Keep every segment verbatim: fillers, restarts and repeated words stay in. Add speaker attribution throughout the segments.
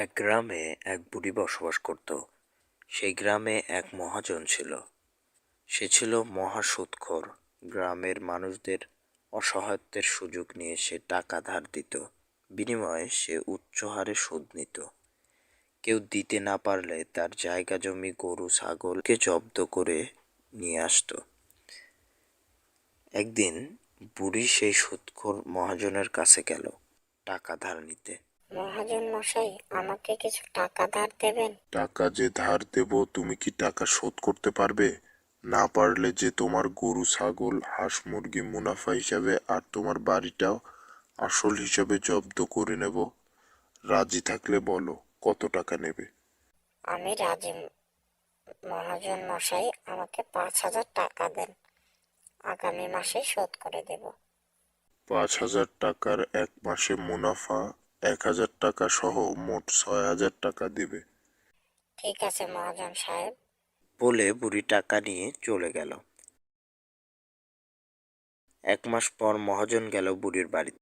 Speaker 1: এক গ্রামে এক বুড়ি বসবাস করত। সেই গ্রামে এক মহাজন ছিল। সে ছিল মহা সুদখোর। গ্রামের মানুষদের অসহায়ত্বের সুযোগ নিয়ে সে টাকা ধার দিত। বিনিময়ে সে উচ্চ হারে সুদ নিত। কেউ দিতে না পারলে তার জায়গা জমি গরু ছাগলকে জব্দ করে নিয়ে আসতো। একদিন বুড়ি সেই সুদখোর মহাজনের কাছে গেল টাকা ধার নিতে।
Speaker 2: মহাজন মশাই, আমাকে কিছু টাকা ধার দেবেন?
Speaker 3: টাকা যে ধার দেব, তুমি কি টাকা শোধ করতে পারবে? না পারলে যে তোমার গরু ছাগল হাঁস মুরগি মুনাফা হিসাবে আর তোমার বাড়িটাও আসল হিসাবে জব্দ করে নেব। রাজি থাকলে বলো কত টাকা নেবে।
Speaker 2: আমি রাজি মহাজন মশাই, আমাকে পাঁচ হাজার টাকা দেন, আগামী মাসে শোধ করে দেব।
Speaker 3: পাঁচ হাজার টাকার এক মাসে মুনাফা এক হাজার টাকা সহ মোট ছয় হাজার টাকা দেবে।
Speaker 2: ঠিক আছে মহাজন সাহেব।
Speaker 1: বলে বুড়ি টাকা নিয়ে চলে গেল। এক মাস পর মহাজন গেল বুড়ির বাড়িতে।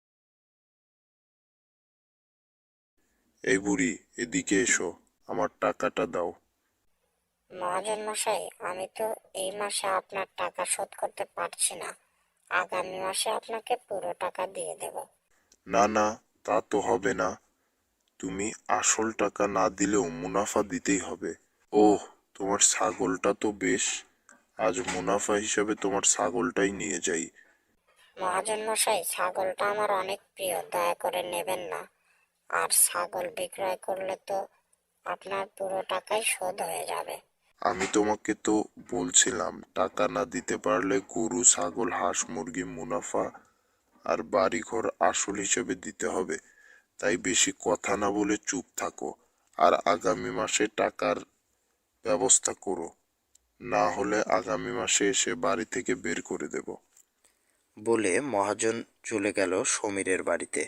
Speaker 3: এই বুড়ি, এদিকে এসো, আমার টাকাটা দাও।
Speaker 2: মহাজন মশাই, আমি তো এই মাসে আপনার টাকা শোধ করতে পারছি না, আগামী মাসে আপনাকে পুরো টাকা দিয়ে দেব।
Speaker 3: না না, তা তো হবে না। তুমি আসল টাকা না দিলেও মুনাফা দিতেই হবে। ওহ, তোমার ছাগলটা তো বেশ, আজ মুনাফা হিসাবে তোমার ছাগলটাই নিয়ে যাই।
Speaker 2: মহাজন মশাই, ছাগলটা আমার অনেক প্রিয়, দয়া করে নেবেন না। আর ছাগল বিক্রয় করলে তো আপনার পুরো টাকাই শোধ হয়ে যাবে।
Speaker 3: আমি তোমাকে তো বলছিলাম, টাকা না দিতে পারলে গরু ছাগল হাঁস মুরগি মুনাফা আর বাড়িঘর আসল হিসেবে দিতে হবে। তাই বেশি কথা না বলে চুপ থাকো, আর আগামী মাসে টাকার ব্যবস্থা করো। না হলে আগামী মাসে এসে বাড়ি থেকে বের করে দেব।
Speaker 1: বলে মহাজন চলে গেল সমীরের বাড়িতে।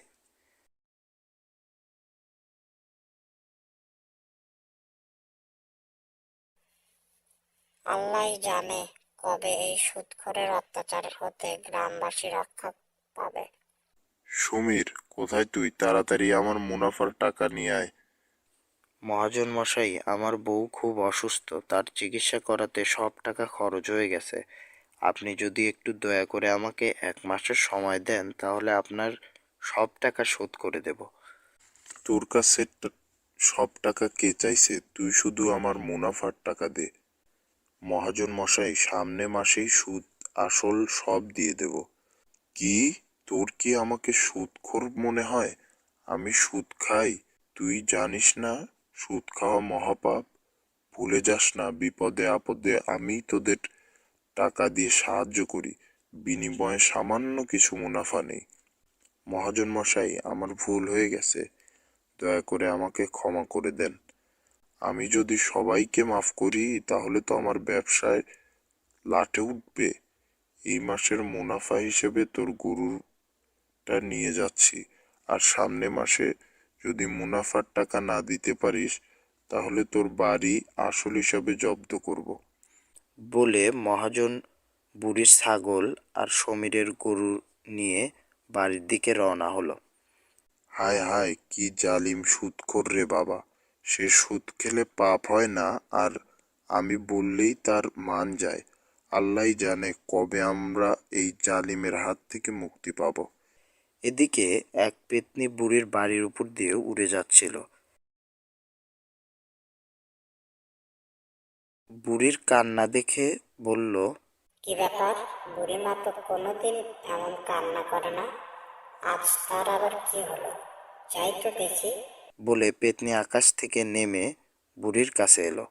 Speaker 2: আল্লাহই জানে কবে এই সুদখোরের অত্যাচার হতে গ্রামবাসী রক্ষা পাবে।
Speaker 3: সমীর, কোথায় তুই? তাড়াতাড়ি আমার মুনাফার টাকা নিয়ে আয়।
Speaker 1: মহাজন মশাই, আমার বউ খুব অসুস্থ, তার চিকিৎসা করাতে সব টাকা খরচ হয়ে গেছে। আপনি যদি একটু দয়া করে আমাকে এক মাসের সময় দেন, তাহলে আপনার সব টাকা শোধ করে দেব।
Speaker 3: তোর কাছে ট- সব টাকা কে চাইছে? তুই শুধু আমার মুনাফার টাকা দে। মহাজন মশাই, সামনে মাসেই সুদ আসল সব দিয়ে দেব। কি? তোর কি আমাকে সুদখোর মনে হয়? আমি সুদ খাই? তুই জানিস না সুদ খাওয়া মহাপাপ? ভুলে যাস না, বিপদে আপদে আমি তোদের টাকা দিয়ে সাহায্য করি, বিনিময়ে সামান্য কিছু মুনাফা নেই। মহাজন মশাই, আমার ভুল হয়ে গেছে, দয়া করে আমাকে ক্ষমা করে দেন। আমি যদি সবাইকে মাফ করি তাহলে তো আমার ব্যবসায় লাটে উঠবে। এই মাসের মুনাফা হিসেবে তোর গরুটা নিয়ে যাচ্ছি, আর সামনে মাসে যদি মুনাফার টাকা না দিতে পারিস তাহলে তোর বাড়ি আসল হিসাবে জব্দ করব।
Speaker 1: বলে মহাজন বুড়ির ছাগল আর সমীরের গরু নিয়ে বাড়ির দিকে রওনা হলো।
Speaker 3: হায় হায়, কি জালিম সুদখোর রে বাবা! সে সুদ খেলে পাপ হয় না, আর আমি বললেই তার মান যায়। আল্লাহই জানে কবে আমরা এই জালিমের হাত থেকে মুক্তি পাব।
Speaker 1: এদিকে এক পেতনি বুড়ির বাড়ির উপর দিয়ে উড়ে যাচ্ছিল। বুড়ির কান্না দেখে বলল,
Speaker 2: কি ব্যাপার, বুড়িমা তো কোনোদিন এমন কান্না করে না, আজ তার আবার কি হলো? যাই তো দেখি।
Speaker 1: বলে পেতনি আকাশ থেকে নেমে বুড়ির কাছে এলো।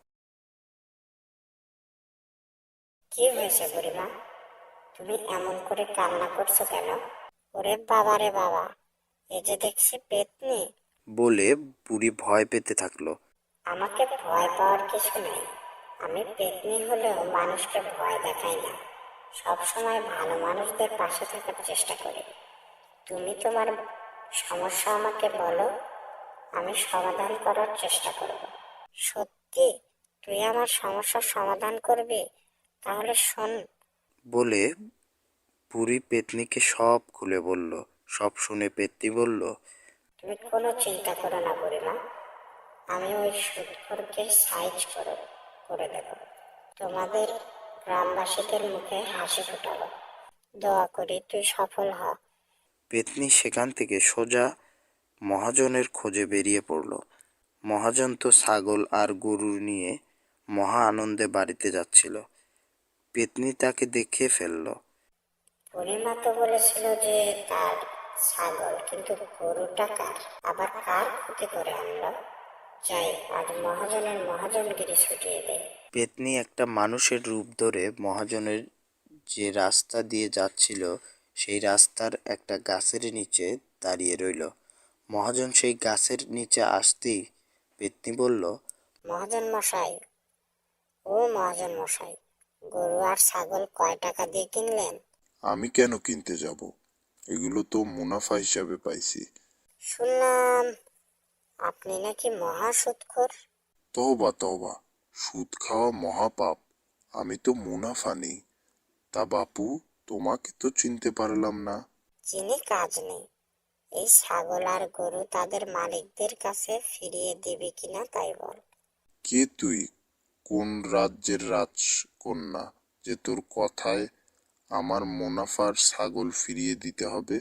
Speaker 2: কি হয়েছে বুড়িমা, তুমি এমন করে কান্না করছো কেন? ওরে বাবা রে বাবা, এ যে দেখছি পেতনি।
Speaker 1: বলে বুড়ি ভয় পেতে থাকলো।
Speaker 2: আমাকে ভয় পাওয়ার কিছু নেই, আমি পেতনি হলেও মানুষকে ভয় দেখাই না, সব সময় ভালো মানুষদের পাশে থাকার চেষ্টা করি। তুমি তোমার সমস্যা আমাকে বলো, আমি সমাধান করার চেষ্টা করব। সত্যি তুই আমার সমস্যার সমাধান করবি? তাহলে শোন।
Speaker 1: বলে বুড়ি পেতনিকে সব খুলে বলল। সব শুনে পেতনি বলল,
Speaker 2: তুমি কোনো চিন্তা করো না বুড়িমা, আমি ওই সুৎখোরকে সাইজ করে করে দেব। তোমাদের গ্রামবাসীদের মুখে হাসি ফোটাবো। দোয়া করি তুই সফল হ।
Speaker 1: পেতনি সেখান থেকে সোজা মহাজনের খোঁজে বেরিয়ে পড়ল। মহাজন তো ছাগল আর গরু নিয়ে মহা আনন্দে বাড়িতে যাচ্ছিল। পেতনি তাকে দেখে ফেলল।
Speaker 2: পরিমা তো বলেছিল যে তার ছাগল, কিন্তু গরুটা কার? আবার কার ক্ষতি করে আনলো? যাই, আজ মহাজনের মহাজনগিরি ছুটিয়ে দেয়।
Speaker 1: পেতনি একটা মানুষের রূপ ধরে মহাজনের যে রাস্তা দিয়ে যাচ্ছিল সেই রাস্তার একটা গাছের নিচে দাঁড়িয়ে রইল। মহাজন সেই গাছের নিচে আসতেই পেতনি বলল,
Speaker 2: মহাজন মশাই, ও মহাজন মশাই, গরু আর ছাগল কয় টাকা দিয়ে কিনলেন?
Speaker 3: আমি কেন কিনতে যাব? এগুলো তো মুনাফা হিসাবে পাইছি।
Speaker 2: শুনলাম আপনি নাকি মহা সুৎখোর।
Speaker 3: তওবা তওবা, সুদ খাওয়া মহাপাপ। আমি তো মুনাফা নেই। তা বাপু, তোমাকে তো চিনতে পারলাম না।
Speaker 2: চিনি কাজ নেই। এই ছাগল আর গরু তাদের মালিকদের কাছে ফিরিয়ে দিবি কিনা তাই বল।
Speaker 3: কে তুই? কোন রাজ্যের রাজকন্যা যে তোর কথায় আমার মুনাফার ছাগল ফিরিয়ে দিতে হবে?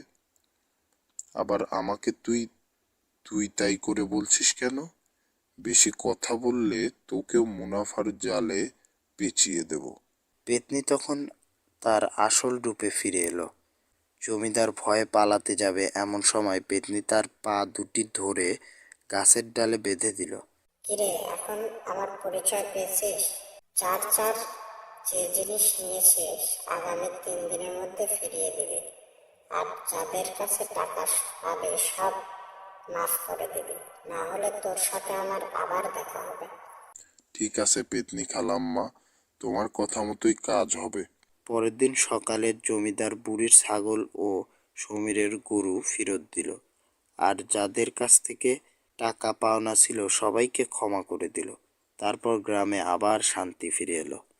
Speaker 3: আবার আমাকে তুই তুই তাই করে বলছিস কেন? বেশি কথা বললে তোকেও মুনাফার জালে পেঁচিয়ে দেব।
Speaker 1: পেতনি তখন তার আসল রূপে ফিরে এলো। জমিদার ভয়ে পালাতে যাবে এমন সময় পেতনি তার পা দুটি ধরে গাছের ডালে বেঁধে দিল।
Speaker 2: কিরে, এখন আমার পরিচয় পেয়েছিস? চার চার যে জিনিস নিয়েছিস আগামী তিন দিনের মধ্যে ফিরিয়ে দিবি, আর যাদের কাছে টাকা পাবে সব মাফ করে দিবি, না হলে তোর সাথে আমার আবার দেখা হবে।
Speaker 3: ঠিক আছে পেতনি খালাম্মা, তোমার কথা মতোই কাজ হবে।
Speaker 1: পরের দিন সকালে জমিদার বুড়ির ছাগল ও সমীরের গরু ফেরত দিল, আর যাদের কাছ থেকে টাকা পাওনা ছিল সবাইকে ক্ষমা করে দিল। তারপর গ্রামে আবার শান্তি ফিরে এলো।